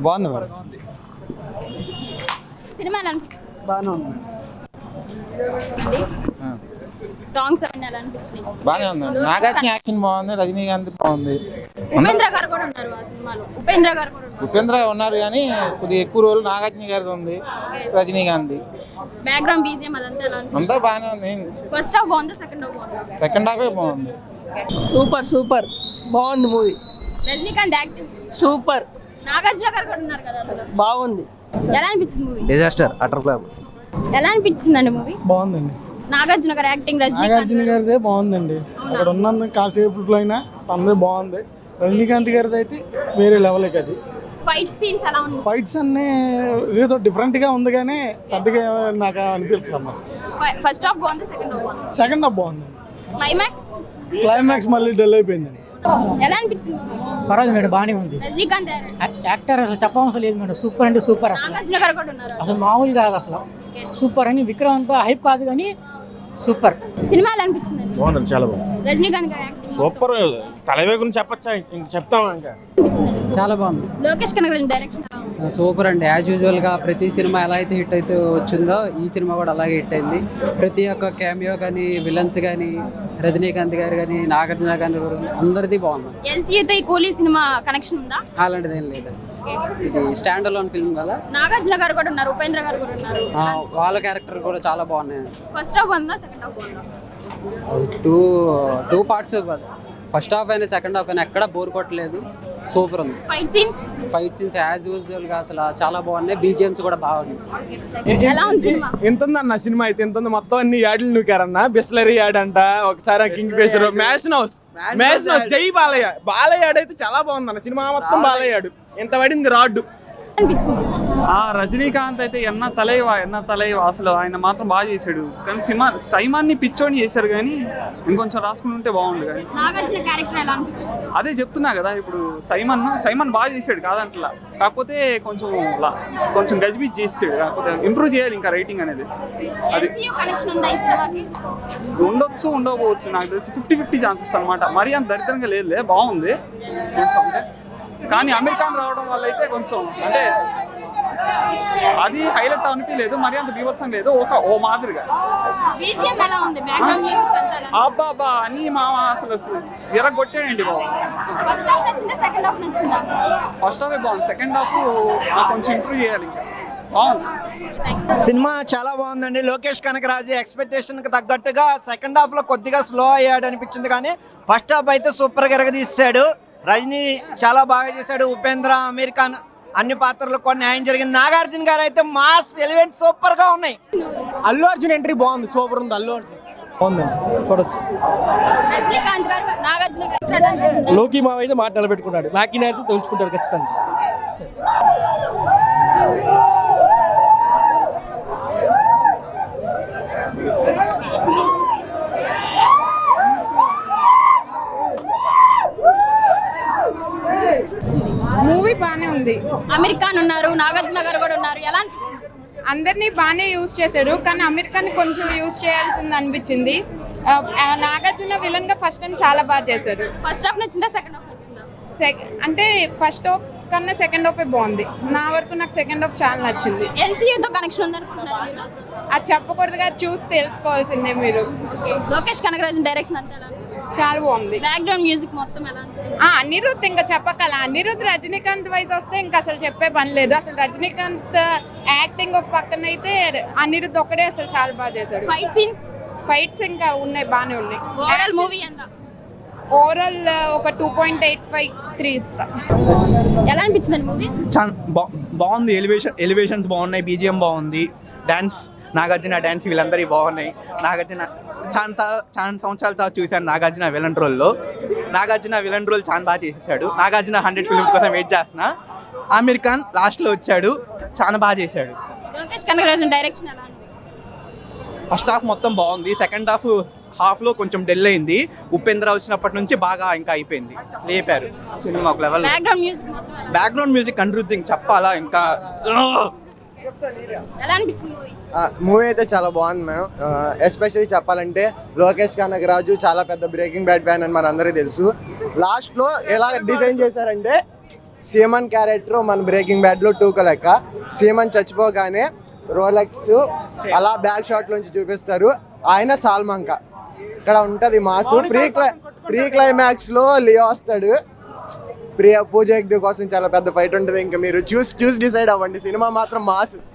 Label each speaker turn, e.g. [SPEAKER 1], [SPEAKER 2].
[SPEAKER 1] బాగుంది madam.
[SPEAKER 2] Cinema
[SPEAKER 1] బాగానే ఉంది.
[SPEAKER 2] సాంగ్స్ అన్ని ఎలా అనిపించినాయి?
[SPEAKER 3] బాగానే ఉంది. నాగార్జున యాక్షన్ బాగుంది, రజనీకాంత్ బాగుంది.
[SPEAKER 2] ఉపేంద్ర గారు కూడా ఉన్నారు ఆ సినిమాలో. ఉపేంద్ర
[SPEAKER 3] ఉన్నారు కానీ కొద్దిగా ఎక్కువ రోజులు నాగార్జున గారిది ఉంది, రజనీకాంత్.
[SPEAKER 2] బ్యాక్గ్రౌండ్ బీజిఎం అదంతా ఎలా అనిపించింది?
[SPEAKER 3] అంతా బాగానే ఉంది.
[SPEAKER 2] ఫస్ట్ హాఫ్ బాగుంది, సెకండ్ హాఫ్ బాగుంది.
[SPEAKER 3] సెకండ్ హాఫే బాగుంది.
[SPEAKER 4] సూపర్ బాగుంది movie.
[SPEAKER 2] Rajinikanth acting
[SPEAKER 4] super.
[SPEAKER 2] Nagarjuna గారు కూడా ఉన్నారు కదా అందులో.
[SPEAKER 4] బాగుంది.
[SPEAKER 2] ఎలా అనిపించింది మూవీ?
[SPEAKER 1] Disaster, utter flop.
[SPEAKER 2] ఎలా అనిపించిందండి మూవీ?
[SPEAKER 5] బాగుందండి.
[SPEAKER 2] నాగార్జున గారి యాక్టింగ్,
[SPEAKER 5] నాగార్జున గారిదే బాగుందండి. అక్కడ ఉన్నందు కాసేపులో అయినా తనదే బాగుంది. రజనీకాంత్ గారిది అయితే వేరే లెవెల్. అది
[SPEAKER 2] ఫైట్ సీన్స్ ఎలా ఉన్నాయి?
[SPEAKER 5] ఫైట్స్ అన్నీ ఏదో డిఫరెంట్ గా ఉంది కానీ పెద్దగా నాకు అనిపించలేదు.
[SPEAKER 2] ఫస్ట్ హాఫ్ బాగుంది, సెకండ్ హాఫ్ బాగుంది.
[SPEAKER 5] సెకండ్ హాఫ్ బాగుంది. క్లైమాక్స్ మళ్ళీ డల్ అయిపోయిందండి.
[SPEAKER 2] ఎలా అనిపించింది?
[SPEAKER 4] పర్వాలేదు మేడం, బాగానే ఉంది.
[SPEAKER 2] రజనీకాంత్
[SPEAKER 4] యాక్టర్ అసలు చెప్పవసరం లేదు మేడం. సూపర్ అంటే సూపర్. అసలు
[SPEAKER 2] నాగార్జున గారు కూడా ఉన్నారు.
[SPEAKER 4] అసలు మామూలు కాదు అసలు. సూపర్ అని విక్రమ్ అంతా హైప్ కాదు కానీ సూపర్.
[SPEAKER 2] సినిమా ఎలా అనిపించింది?
[SPEAKER 6] బాగుంది, చాలా బాగుంది.
[SPEAKER 2] రజనీకాంత్ గారి యాక్టింగ్
[SPEAKER 6] సూపర్. తలవే గురించి చెప్పచ్చా? ఇంక చెప్తాం. ఇంకా
[SPEAKER 7] చాలా బాగుంది.
[SPEAKER 2] లోకేష్ కనగరాజన్ డైరెక్షన్
[SPEAKER 7] సూపర్ అండి. యాజ్ యూజువల్గా ప్రతి సినిమా ఎలా అయితే హిట్ అయితే వచ్చిందో ఈ సినిమా కూడా అలాగే హిట్ అయింది. ప్రతి ఒక్క క్యామియో కానీ, విలన్స్ కానీ, రజనీకాంత్ గారు కానీ, నాగార్జున గారి అందరిది బాగుంది.
[SPEAKER 2] ఎల్సీయూతో ఈ కూలీ సినిమా కనెక్షన్ ఉందా?
[SPEAKER 7] అలాంటిది ఏం లేదు. ఇది స్టాండ్ అలోన్ ఫిల్మ్ కదా.
[SPEAKER 2] నాగార్జున గారు కూడా ఉన్నారు, ఉపేంద్ర గారు కూడా ఉన్నారు.
[SPEAKER 7] వాళ్ళ క్యారెక్టర్ కూడా చాలా బాగున్నాయి.
[SPEAKER 2] ఫస్ట్ హాఫ్ ఉందా, సెకండ్ హాఫ్ ఉందా?
[SPEAKER 7] Two parts. ఫస్ట్ హాఫ్ అయినా సెకండ్ హాఫ్ అయినా ఎక్కడ బోర్ కొట్టలేదు. సూపర్ ఉంది. ఫైట్ సీన్స్ యాజ్ యూజువల్ గా అసలు చాలా బాగున్నాయి. బీజిఎమ్స్ కూడా బాగున్నాయి.
[SPEAKER 2] ఎలా ఉంది సినిమా?
[SPEAKER 8] ఎంత ఉందన్న సినిమా అయితే ఎంత ఉంది. మొత్తం అన్ని యాడ్లు నూకారన్న. బిస్లరీ యాడ్ అంట, ఒకసారి కింగ్ ఫిషర్, మ్యాషన్ హౌస్, జై బాలయ్య యాడ్ అయితే చాలా బాగుందన్న. సినిమా మొత్తం బాలయ్య యాడ్. ఎంత పడింది రాడ్డు.
[SPEAKER 9] రజనీకాంత్ అయితే ఎన్న తలైవా అసలు ఆయన మాత్రం బాగా చేశాడు. కానీ సైమాన్ని పిచ్చోని చేశారు కానీ ఇంకొంచెం రాసుకుని ఉంటే బాగుండు. కానీ అదే చెప్తున్నా కదా, ఇప్పుడు సైమన్ బాగా చేశాడు కాదంటలా. కాకపోతే కొంచెం గజిబిజ్ చేసాడు. కాకపోతే ఇంప్రూవ్ చేయాలి ఇంకా రైటింగ్ అనేది. అది ఉండకపోవచ్చు. నాకు తెలిసి 50-50 ఛాన్సెస్ అనమాట. మరీ అంత దరిద్రంగా లేదులే, బాగుంది కొంచెం. కానీ అమెరికాన్ రావడం వల్ల అయితే కొంచెం అంటే అది హైలైట్ అనిపించలేదు. మరి అంత బీభత్సం లేదు. ఓ మాదిరిగా అబ్బాబా అని అసలు ఎరగొట్టాడండి బాబు. ఫస్ట్ హాఫ్ బాగుంది, సెకండ్ హాఫ్ కొంచెం ఇంప్రూవ్ చేయాలి ఇంకా. బాగుంది
[SPEAKER 1] సినిమా, చాలా బాగుందండి. లోకేష్ కనగరాజు ఎక్స్పెక్టేషన్ కి తగ్గట్టుగా సెకండ్ హాఫ్ లో కొద్దిగా స్లో అయ్యాడు అనిపించింది. కానీ ఫస్ట్ హాఫ్ అయితే సూపర్ గా ఎరగదీశాడు. రజనీ చాలా బాగా చేశాడు. ఉపేంద్ర, అమెరికాన్ అన్ని పాత్రలు కూడా న్యాయం జరిగింది. నాగార్జున గారు అయితే మాస్ ఎలిమెంట్ సూపర్ గా ఉన్నాయి.
[SPEAKER 8] అల్లు అర్జున్ ఎంట్రీ బాగుంది, సూపర్ ఉంది. అల్లు అర్జున్ బాగుందండి, చూడొచ్చు. లోకి మావ అయితే మాట నిలబెట్టుకున్నాడు. నాకి అయితే తెలుసుకుంటారు ఖచ్చితంగా.
[SPEAKER 10] మూవీ బానే ఉంది.
[SPEAKER 2] అమెరికాన్ ఉన్నారు, నాగార్జున గారు కూడా ఉన్నారు. ఎలా
[SPEAKER 10] అందరినీ బాగానే యూజ్ చేశాడు. కానీ అమెరికాన్ కొంచెం యూజ్ చేయాల్సింది అనిపించింది. నాగార్జున విలన్ గా ఫస్ట్ టైం చాలా బాగా చేశారు.
[SPEAKER 2] ఫస్ట్ హాఫ్ నచ్చిందా, సెకండ్ హాఫ్ నచ్చిందా?
[SPEAKER 10] అంటే ఫస్ట్ హాఫ్ కన్నా సెకండ్ హాఫ్ బాగుంది. నా వరకు నాకు సెకండ్ హాఫ్ చాలా నచ్చింది.
[SPEAKER 2] ఎల్సీయూతో కనెక్షన్ ఉందనుకుంటున్నారు?
[SPEAKER 10] అది చెప్పకూడదుగా, చూసి తెలుసుకోవాల్సిందే మీరు.
[SPEAKER 2] లోకేష్ కనగరాజన్ డైరెక్షన్ అంటే
[SPEAKER 10] చాలా బాగుంది.
[SPEAKER 2] బ్యాక్గ్రౌండ్ మ్యూజిక్ మొత్తం ఎలా?
[SPEAKER 10] అనిరుద్ధ్ ఇంకా చెప్పగల. అనిరుద్ధ్ రజనీకాంత్ వైజ్ వస్తే ఇంకా అసలు చెప్పే పని లేదు. అసలు రజనీకాంత్ యాక్టింగ్ ఒక పక్కన అయితే అనిరుద్ధ్ ఒక్కడే అసలు చాలా బాగా చేశాడు. ఫైట్స్ ఇంకా ఉన్నాయి, బాగానే ఉన్నాయి.
[SPEAKER 2] ఓవరాల్ మూవీ ఎంత?
[SPEAKER 10] ఓవరాల్ ఒక 2.85-3 ఇస్తా.
[SPEAKER 2] ఎలా అనిపించింది మూవీ?
[SPEAKER 1] బాగుంది. ఎలివేషన్స్ బాగున్నాయి, బీజిఎం బాగుంది, డాన్స్, నాగార్జున డాన్స్ వీళ్ళందరికీ బాగున్నాయి. నాగార్జున చాలా సంవత్సరాల తర్వాత చూశాను నాగార్జున విలన్ రోల్లో. నాగార్జున విలన్ రోల్ చాలా బాగా చేసేసాడు. నాగార్జున 100 ఫిల్మ్స్ కోసం వెయిట్ చేస్తున్నా. అమెరికాన్ లాస్ట్లో వచ్చాడు, చాలా బాగా చేశాడు.
[SPEAKER 2] లోకేష్ కనగరాజన్ డైరెక్షన్ ఎలా?
[SPEAKER 1] ఫస్ట్ హాఫ్ మొత్తం బాగుంది. సెకండ్ హాఫ్లో కొంచెం డెల్ అయింది. ఉపేంద్ర వచ్చినప్పటి నుంచి బాగా ఇంకా అయిపోయింది, లేపారు సినిమా ఒక లెవెల్. బ్యాక్గ్రౌండ్ మ్యూజిక్ అనిరుద్ధ్ చెప్పాలా ఇంకా.
[SPEAKER 11] మూవీ అయితే చాలా బాగుంది మేడం. ఎస్పెషల్లీ చెప్పాలంటే లోకేష్ కనగరాజు చాలా పెద్ద బ్రేకింగ్ బ్యాడ్ ఫ్యాన్ అని మన అందరికీ తెలుసు. లాస్ట్లో ఎలా డిజైన్ చేశారంటే సీమన్ క్యారెక్టర్ మన బ్రేకింగ్ బ్యాడ్లో 2 లెక్క. సీమన్ చచ్చిపోగానే రోలెక్స్ అలా బ్యాక్ షాట్ నుంచి చూపిస్తారు. ఆయన సాల్మాంక ఇక్కడ ఉంటుంది మాసు. ప్రీ క్లైమాక్స్లో లియో వస్తాడు. పూజ హెగ్డే కోసం చాలా పెద్ద ఫైట్ ఉంటుంది. ఇంకా మీరు చూసి డిసైడ్ అవ్వండి. సినిమా మాత్రం మాసు.